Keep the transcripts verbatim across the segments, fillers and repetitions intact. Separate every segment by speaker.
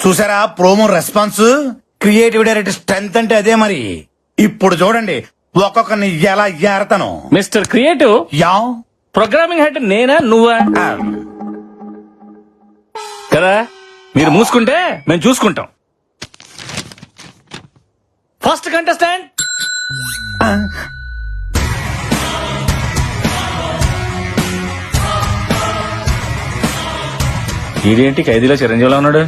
Speaker 1: చూసారా promo response? Creative director strength అంటే అదే మరి. ఇప్పుడు చూడండి ఒక్కొక్కరిని ఎలా ఏరతాను.
Speaker 2: Mister creative,
Speaker 1: yeah
Speaker 2: programming head నేనా నువ్వా
Speaker 1: ఆ,
Speaker 2: కదా? మీరు మూసుకుంటే మేము చూసుకుంటాం. ఫస్ట్ కంటెస్టెంట్
Speaker 1: ఆ,
Speaker 2: ఇదేంటి ఖైదీలో చిరంజీవిలో ఉన్నాడు?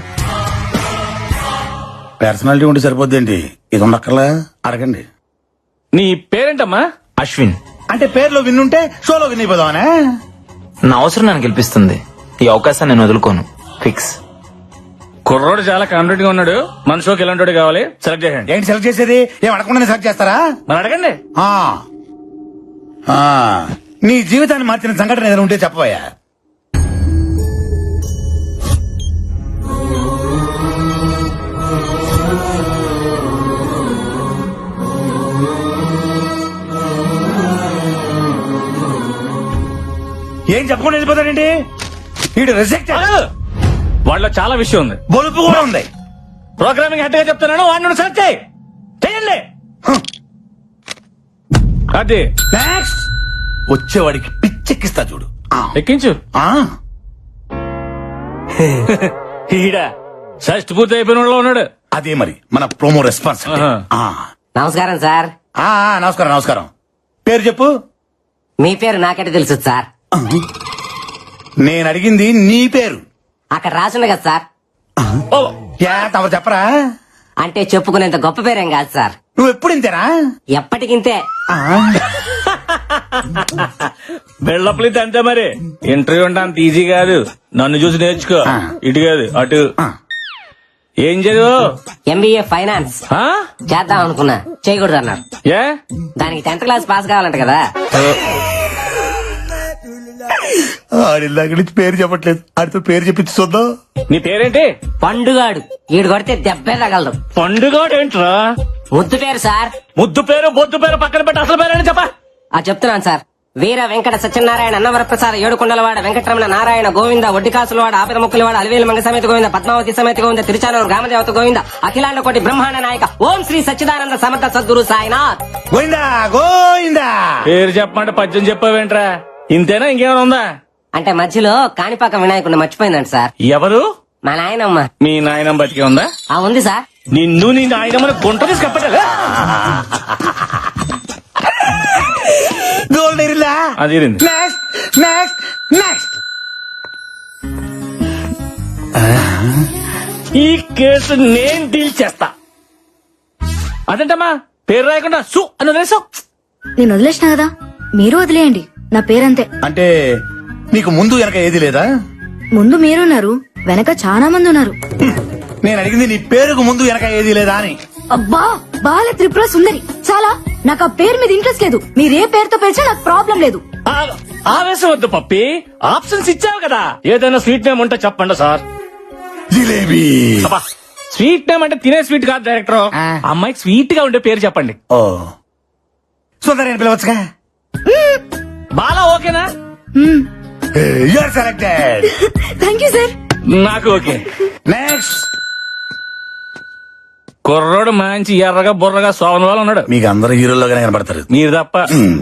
Speaker 1: పర్సనాలిటీ ఉంటే సరిపోద్దేంటి? ఇది ఉండక్కర్లా అడగండి.
Speaker 2: నీ పేరేంటమ్మా?
Speaker 3: అశ్విన్.
Speaker 1: అంటే పేర్లో విన్నుంటే షోలో విన్ అయిపోదామనే.
Speaker 3: నా అవసరం నన్ను గెలిపిస్తుంది. ఈ అవకాశాన్ని నేను వదులుకోను. ఫిక్స్.
Speaker 2: కుర్రోడు చాలా కాన్ఫిడెంట్ గా ఉన్నాడు. మన షోకి ఎలాంటి కావాలి సెలెక్ట్ చేయండి.
Speaker 1: ఏంటి సెలెక్ట్ చేసేది? ఏం అడగకుండా సెలెక్ట్ చేస్తారా?
Speaker 2: మరి అడగండి.
Speaker 1: ఆ, ఆ, నీ జీవితాన్ని మార్చిన సంఘటన ఏదైనా ఉంటే చెప్పబోయా. ఏం చెప్పకుండా వెళ్ళిపోతాడండి వీడు? రిజెక్ట్.
Speaker 2: వాళ్ళలో చాలా విషయం ఉంది.
Speaker 1: బొలుపు కూడా ఉంది.
Speaker 2: ప్రోగ్రామింగ్ హెడ్ గా చెప్తున్నాను, వాడిని సెలెక్ట్ చేయి. చేయండి. అది
Speaker 1: నెక్స్ట్ వచ్చేవాడికి పిచ్చెక్కిస్తా చూడు. ఆ,
Speaker 2: ఎక్కించు.
Speaker 1: ఆ,
Speaker 2: ఈడ షష్ట్ పూర్తి అయిపోయిన వాళ్ళలో ఉన్నాడు.
Speaker 1: అదే మరి మన ప్రోమో రెస్పాన్స్ అంటే.
Speaker 2: ఆహా.
Speaker 1: ఆ,
Speaker 4: నమస్కారం సార్.
Speaker 1: ఆ, ఆ, నమస్కారం నమస్కారం. పేరు చెప్పు.
Speaker 4: మీ పేరు నాకంటే తెలుసు సార్.
Speaker 1: నేను అడిగింది నీ పేరు.
Speaker 4: అక్కడ రాసుంది కదా సార్.
Speaker 2: ఓ,
Speaker 1: యా తమరు చెప్పరా?
Speaker 4: అంటే చెప్పుకునేంత గొప్ప పేరేం కాదు సార్.
Speaker 1: నువ్వు ఎప్పుడు ఇంతేనా?
Speaker 4: ఎప్పటికింతే.
Speaker 1: ఆ,
Speaker 2: బెళ్ళప్లిత్ అంతే మరి. ఇంటర్వ్యూ అంటే అంత ఈజీ కాదు. నన్ను చూసి నేర్చుకో.
Speaker 1: ఆ.
Speaker 2: ఇటు కాదు అటు.
Speaker 1: ఆ.
Speaker 2: ఏం చదువు?
Speaker 4: ఎంబీఏ ఫైనాన్స్
Speaker 2: ఆ?
Speaker 4: చేద్దాం అనుకున్నా, చేయకూడదు అన్నారు.
Speaker 2: ఏ?
Speaker 4: దానికి టెన్త్ క్లాస్ పాస్ కావాలంట కదా.
Speaker 1: ఆడిల్లాక నుంచి పేరు చెప్పట్లేదు. ఆడితో పేరు చెప్పించి చూద్దాం.
Speaker 2: నీ పేరేంటి?
Speaker 4: పండుగాడు. ఈడు కొడితే దెబ్బే తగలదు.
Speaker 2: పండుగ ఏంట్రా?
Speaker 4: ముద్దు పేరు సార్.
Speaker 2: ముద్దు పేరు బొద్దు పేరు పక్కన పెట్టి అసలు పేరేంటి చెప్పా.
Speaker 4: ఆ చెప్తున్నాను సార్. వీర వెంకట సత్యనారాయణ అన్నవరప్రసాద ఏడుకొండలవాడ వెంకటరమణ నారాయణ గోవింద ఒడ్డికాసులవాడ ఆపిర ముక్కులవాడ అలివేలు మంగ సమేత గోవింద పద్మావతి సమేత గోవింద తిరుచానూరు గ్రామదేవత గోవింద అఖిలాండ కోటి బ్రహ్మాండ నాయక ఓం శ్రీ సచ్చిదానంద సమర్థ సద్గురు సాయినాథ్.
Speaker 1: గోయిందా గోయిందా.
Speaker 2: పేరు చెప్పమంటే పద్యం చెప్పావేంట్రా? ఇంతేనా ఇంకేమైనా ఉందా?
Speaker 4: అంటే మధ్యలో కాణిపాక వినాయకుడిని మర్చిపోయిందంట సార్.
Speaker 2: ఎవరు?
Speaker 4: మా నాయనమ్మ.
Speaker 2: మీ నాయనం బతికే ఉందా?
Speaker 4: ఆ ఉంది సార్.
Speaker 2: నిన్ను నీ నాయనమ్మని గుంట తీసి కప్పటలే.
Speaker 1: గోల్డ్ ఇరిలా.
Speaker 2: అది ఇరింది.
Speaker 1: Next next next.
Speaker 2: ఈ కేసు నేను డీల్ చేస్తా. అదేంటమ్మా పేరు రాయకుండా సు అని వదిలేసావు?
Speaker 5: నేను వదిలేసిన కదా, మీరు వదిలేయండి. నా పేరంతే.
Speaker 1: అంటే నీకు ముందు వెనక ఏది లేదా?
Speaker 5: ముందు మీరున్నారు, వెనక చాలా మంది ఉన్నారు.
Speaker 1: నేను అడిగింది నీ పేరుకు ముందు వెనక ఏది లేదా అని.
Speaker 5: అబ్బా, బాల త్రిపుర సుందరి. చాలా, నాకు ఆ పేరు మీద ఇంట్రెస్ట్ లేదు. మీరు ఏ పేరుతో పిలిచినా నాకు ప్రాబ్లం లేదు.
Speaker 2: ఆ- ఆవేశం వద్దు పప్పి, ఆప్షన్స్ ఇచ్చావు కదా. ఏదైనా స్వీట్ నేమ్ ఉంటే చెప్పండి సార్.
Speaker 1: జిలేబీ.
Speaker 2: అబ్బా, స్వీట్ నేమ్ అంటే తినే స్వీట్ కాదు డైరెక్టర్.
Speaker 1: ఆ.
Speaker 2: అమ్మాయికి స్వీట్ గా ఉండే పేరు చెప్పండి.
Speaker 1: ఓ సుందరి అని పిలవచ్చుగా.
Speaker 2: బాలా ఓకేనా?
Speaker 1: You're selected.
Speaker 5: Thank you sir.
Speaker 2: నాకు ఓకే.
Speaker 1: నెక్స్ట్.
Speaker 2: కుర్రోడు మంచి ఎర్రగా బుర్రగా సోమన్ వాళ్ళు ఉన్నాడు.
Speaker 1: మీకు అందరు హీరోల్లోగానే కనబడతారు.
Speaker 2: మీరు తప్ప.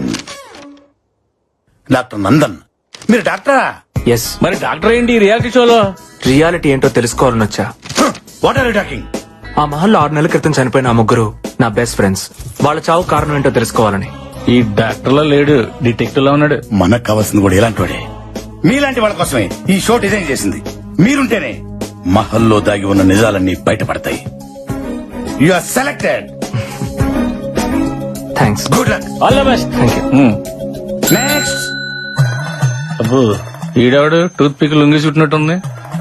Speaker 1: డాక్టర్ నందన్. మీరు డాక్టరా?
Speaker 3: ఎస్.
Speaker 2: మరి డాక్టర్ ఏంటి ఈ రియాలిటీ షోలో?
Speaker 3: రియాలిటీ ఏంటో తెలుసుకోవాలని వచ్చా.
Speaker 1: What are you talking?
Speaker 3: ఆ మహల్లో ఆరు నెలల క్రితం చనిపోయిన ఆ ముగ్గురు నా బెస్ట్ ఫ్రెండ్స్. వాళ్ళ చావు కారణం ఏంటో తెలుసుకోవాలని.
Speaker 2: ఈ డాక్టర్ లో లేడు, డిటెక్టివ్ లో ఉన్నాడు.
Speaker 1: మనకు కావాల్సింది కూడా ఇలాంటి వాడే. మీలాంటి వాళ్ళ కోసమే ఈ షో డిజైన్ చేసింది. మీరుంటేనే మహల్లో దాగి ఉన్న నిజాలన్నీ బయటపడతాయి. You are selected.
Speaker 3: Thanks.
Speaker 1: Good luck.
Speaker 2: All the best.
Speaker 3: Thank you.
Speaker 1: Next.
Speaker 2: అబ్బో, ఈడవాడు టూత్ పిక్ లొంగి చుట్టినట్టుంది.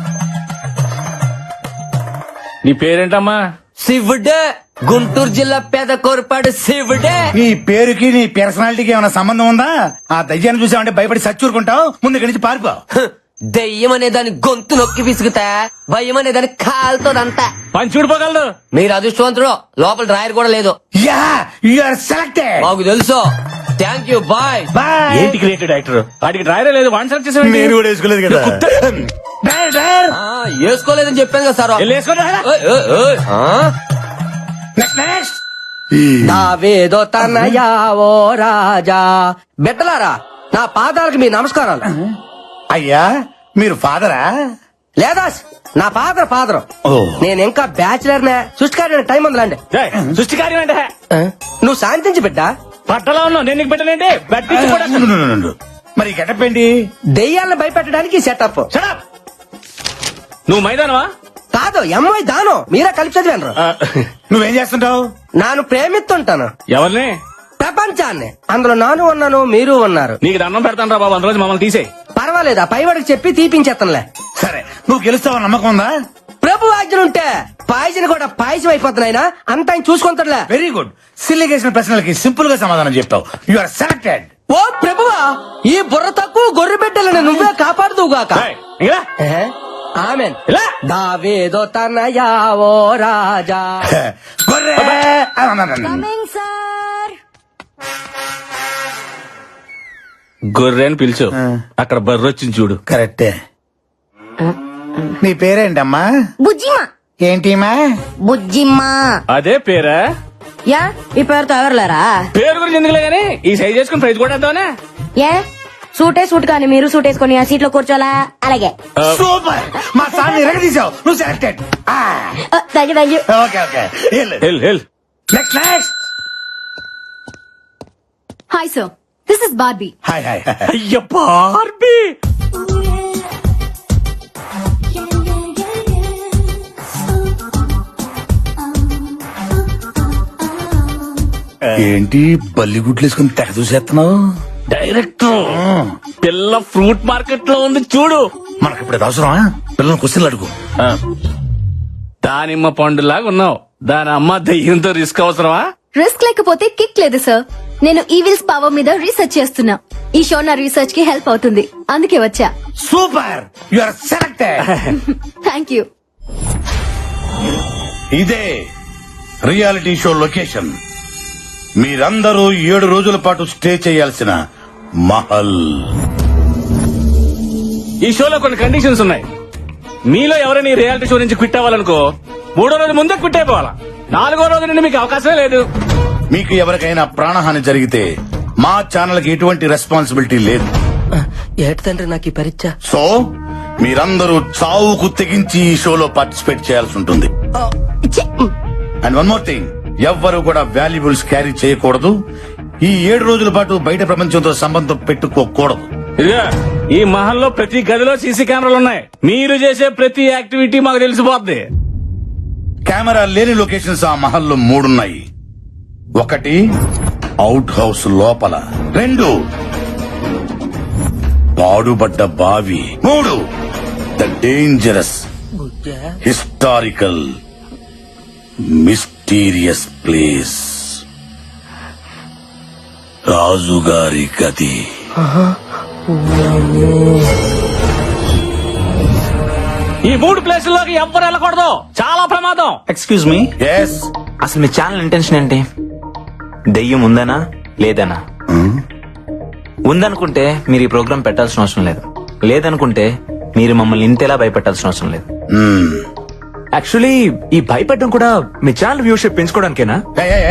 Speaker 2: నీ పేరేంటమ్మా?
Speaker 4: శివుడే. గుంటూరు జిల్లా పేద కోరపాడు శివుడే.
Speaker 1: నీ పేరుకి నీ పర్సనాలిటీకి ఏమైనా సంబంధం ఉందా? ఆ దయ్యాన్ని చూసావంటే భయపడి సచ్చూరుకుంటావు. ముందు ఇక్కడి నుంచి పారిపో.
Speaker 6: దెయ్యం అనే దాని గొంతు నొక్కి పిసుకుతా, భయం అనే దాని కాలుతోదంతా.
Speaker 2: పని చూడిపోగలదు.
Speaker 6: మీరు అదృష్టవంతుడు, లోపల డ్రాయర్ కూడా లేదు.
Speaker 1: Yeah you are selected.
Speaker 6: మాకు తెలుసు. Thank you, bye.
Speaker 1: బాయ్.
Speaker 2: ఏంటి క్రియేటివ్ డైరెక్టర్? వాడికి డ్రైవరే లేదు, వన్ సెలెక్ట్ చేసాడు.
Speaker 1: నేను కూడా వేసుకోలేదు కదా. Driver, driver.
Speaker 6: ఆ, వేసుకోలేదని చెప్పాను కదా సార్. ఓయ్, ఓయ్, ఓయ్. ఆ?
Speaker 1: Next next.
Speaker 4: దావేదో తనయా ఓ రాజా. బిడ్డలారా, నా పాదాలకు మీ నమస్కారాలు.
Speaker 1: అయ్యా మీరు ఫాదరా?
Speaker 4: లేదా నా ఫాదర్ ఫాదర్.
Speaker 1: ఓ.
Speaker 4: నేను ఇంకా బ్యాచిలర్ నే. సృష్టికారి టైం ఉందిలాండి.
Speaker 2: సృష్టి కార్యం అంటే
Speaker 4: నువ్వు శాంతించి బిడ్డ.
Speaker 2: పట్టలో ఉన్నావు, నేను నీకు పెట్టలేంటి. బట్టించి కూడా
Speaker 1: ఉండు, ఉండు, ఉండు. మరి గెటప్ ఏంటి?
Speaker 4: దెయ్యాలను భయపెట్టడానికి సెటప్.
Speaker 2: Shut up! నువ్వు మైదానవా?
Speaker 4: కాదు, ఎంఐ దానం. మీరే కలిపి చదివాను.
Speaker 1: నువ్వేం చేస్తుంటావు?
Speaker 4: నాను ప్రేమిస్తుంటాను
Speaker 2: ఎవరిని?
Speaker 4: ప్రపంచాన్ని. అందులో నాను ఉన్నాను, మీరు ఉన్నారు.
Speaker 2: నీకు దండం పెడతాను రా బాబు, అందులో మమ్మల్ని తీసేయి.
Speaker 4: పర్వాలేదా, పైవాడికి చెప్పి తీపించేస్తానులే.
Speaker 1: సరే, నువ్వు గెలుస్తావు నమ్మకం ఉందా?
Speaker 4: ప్రభు ఆజ్ఞలుంటే పాయసం కూడా పాయసం అయిపోతున్నాయినా అంత ఆయన చూసుకుంటాడులే.
Speaker 1: Very good. సిల్లిగేసిన ప్రశ్నలకి సింపుల్ గా సమాధానం చెప్తావు. You are selected.
Speaker 4: ఓ ప్రభువా, ఈ బుర్ర తక్కువ గొర్రె బిడ్డలను నువ్వే కాపాడుదువుగాక.
Speaker 2: ఏయ్, ఇలా.
Speaker 4: ఆమెన్.
Speaker 2: ఇలా.
Speaker 4: దావేదో తనయా ఓ రాజా.
Speaker 1: గొర్రె.
Speaker 5: Coming sir.
Speaker 2: గొర్రె అని పిలిచు. అక్కడ బర్రె వచ్చింది చూడు.
Speaker 1: కరెక్టే. నీ పేరేంటమ్మా?
Speaker 5: బుజ్జిమా.
Speaker 1: ఏంటిమా?
Speaker 5: బుజ్జిమా.
Speaker 2: అదే పేరా?
Speaker 5: యా, ఈ పేరుతో ఎవరులేరా?
Speaker 2: పేరు గురించి ఎందుకులే గానీ ఈ సైజ్ చేసుకుని ప్రైజ్ కూడా వేద్దామనే.
Speaker 5: ఏ సూటే సూట్ కానీ మీరు సూట్ వేసుకొని ఆ సీట్ లో కూర్చోలా? అలాగే.
Speaker 1: సూపర్. మా సార్ ఎరగదీసావు. నువ్వు selected.
Speaker 5: Thank you thank you.
Speaker 1: Okay okay.
Speaker 2: Hell hell.
Speaker 1: Next next.
Speaker 5: Hi sir, this is Barbie.
Speaker 1: Hi hi.
Speaker 2: అయ్య బార్బీ.
Speaker 1: ఏంటి బల్లిగుడ్లు వేసుకుని తెగ చూసేస్తున్నావు?
Speaker 2: డైరెక్టర్, పిల్ల ఫ్రూట్ మార్కెట్ లో ఉంది చూడు.
Speaker 1: మనకి ఇప్పుడు అవసరమా? పిల్లలు క్వశ్చన్లు అడుగు.
Speaker 2: దానిమ్మ పండులాగా ఉన్నావు, దాని అమ్మ దయ్యంతో రిస్క్ అవసరమా?
Speaker 5: రిస్క్ లేకపోతే కిక్ లేదు సార్. నేను ఈవిల్స్ పవర్ మీద రీసెర్చ్ చేస్తున్నా. ఈ షో నా రీసెర్చ్ కి హెల్ప్ అవుతుంది, అందుకే వచ్చా.
Speaker 1: Super. You are selected.
Speaker 5: Thank you.
Speaker 1: ఇదే రియాలిటీ షో లొకేషన్. మీరందరూ ఏడు రోజుల పాటు స్టే చేయాల్సిన మహల్.
Speaker 2: ఈ షోలో కొన్ని కండిషన్స్ ఉన్నాయి. మీలో ఎవరైనా ఈ రియాలిటీ షో నుంచి క్విట్ అవ్వాలనుకో, మూడో రోజు ముందే క్విట్ అయిపోవాలా. నాలుగో రోజు నుండి మీకు అవకాశమే లేదు.
Speaker 1: మీకు ఎవరికైనా ప్రాణహాని జరిగితే మా ఛానల్ కి ఎటువంటి రెస్పాన్సిబిలిటీ లేదు.
Speaker 4: ఏటి తండ్రి నాకు ఈ పరీక్ష.
Speaker 1: సో మీరందరూ చావుకు తెగించి ఈ షోలో పార్టిసిపేట్ చేయాల్సి ఉంటుంది. అండ్ వన్ మోర్ థింగ్, ఎవ్వరు కూడా వాల్యుబుల్స్ క్యారీ చేయకూడదు. ఈ ఏడు రోజుల పాటు బయట ప్రపంచంతో సంబంధం పెట్టుకోకూడదు.
Speaker 2: ఇదిగా ఈ మహల్లో ప్రతి గదిలో సీసీ కెమెరాలు ఉన్నాయి. మీరు చేసే ప్రతి యాక్టివిటీ మాకు తెలిసిపోద్ది.
Speaker 1: కెమెరా లేని లొకేషన్స్ ఆ మహల్లో మూడున్నాయి. ఒకటి అవుట్ హౌస్ లోపల, రెండు పాడుబడ్డ బావి, మూడు the dangerous historical mysterious place, రాజుగారి గది.
Speaker 2: ఈ మూడు ప్లేసుల్లోకి ఎవ్వరు వెళ్ళకూడదు, చాలా ప్రమాదం.
Speaker 3: Excuse me,
Speaker 1: yes.
Speaker 3: అసలు మీ ఛానల్ ఇంటెన్షన్ ఏంటి? దెయ్యం ఉందనా లేదనా? ఉందనుకుంటే మీరు ఈ ప్రోగ్రామ్ పెట్టాల్సిన అవసరం లేదు. లేదనుకుంటే మీరు మమ్మల్ని ఇంతేలా భయపెట్టాల్సిన అవసరం లేదు. యాక్చువల్లీ ఈ భయపెట్టడం కూడా మీ ఛానల్ వ్యూషిప్ పెంచుకోవడానికేనా?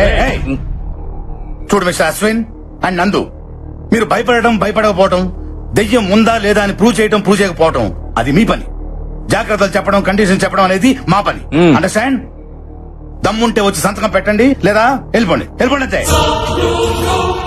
Speaker 1: చూడు మిస్టర్ అశ్విన్ అండ్ నందు, మీరు భయపడటం భయపడకపోవటం, దెయ్యం ఉందా లేదా అని ప్రూవ్ చేయటం ప్రూవ్ చేయకపోవటం అది మీ పని. జాగ్రత్తలు చెప్పడం, కండిషన్ చెప్పడం అనేది మా పని. అండర్స్టాండ్? దమ్ముంటే వచ్చి సంతకం పెట్టండి, లేదా వెళ్ళిపోండి. వెళ్ళిపోండి అంతే.